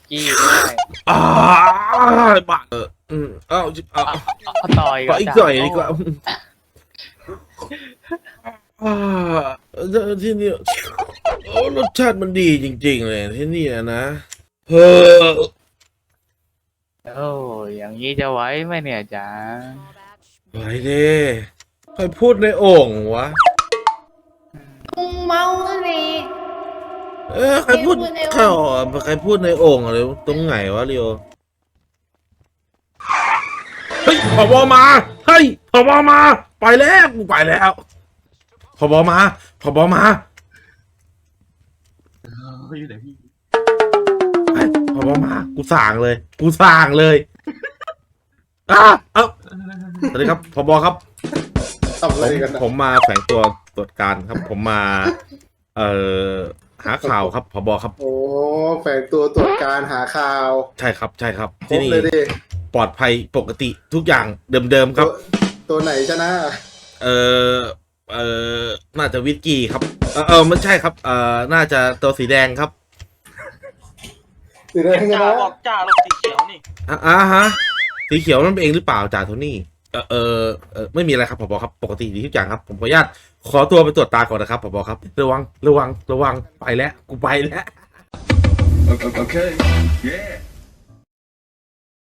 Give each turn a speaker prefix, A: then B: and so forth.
A: กี้ด้วย
B: อ่าบ้าเอา
A: ต่อย
B: ขออีกหน่อยดีกว่าที่นี่โอ้รสชาติมันดีจริงๆเลยที่นี่นะเฮ้อ
A: โอ้อย่างนี้จะไหวไหมเนี่ยจ๋า
B: ไหวเด้ใครพูดในโอ่งวะ
C: มึงเมาเลย
B: ใครพูดใครพูดในโอ่งอะไรตรงไหนวะเรียวเฮ้ยผบมาเฮ้ยผบมาไปแล้วกูไปแล้วผบมา
D: อยู่ไหนพี่
B: ผบมากูสั่งเลยเอ้าสวัสดีครับผบครับ
E: ทำอะไรกันนะ
B: ผมมาแฝงตัวตรวจการครับ ผมมาหาข่าวครับผบครับ
E: โอ้แฝงตัวตรวจการหาข่าว
B: ใช่ครับ
E: คร
B: ที่
E: บ
B: นี่
E: เลยดิ
B: ปลอดภัยปกติทุกอย่างเดิมๆครับ
E: ตัวไหนชนะ
B: เออน่าจะวิสกี้ครับไม่ใช่ครับน่าจะตัวสีแดงครับ
E: สีแดงช
D: จ่า
E: นะ
D: บอกจ่าลงสีเขียวนี่
B: ฮะสีเขียวนั่นเป็นเองหรือเปล่าจ่าโทนี่ไม่มีอะไรครับผบครับปกติดีทุกอย่างครับผมขออนุญาตขอตัวไปตรวจตาก่อนนะครับผบครับระวังไปแล้วกูไปแล้ว
F: Okay. Yeah.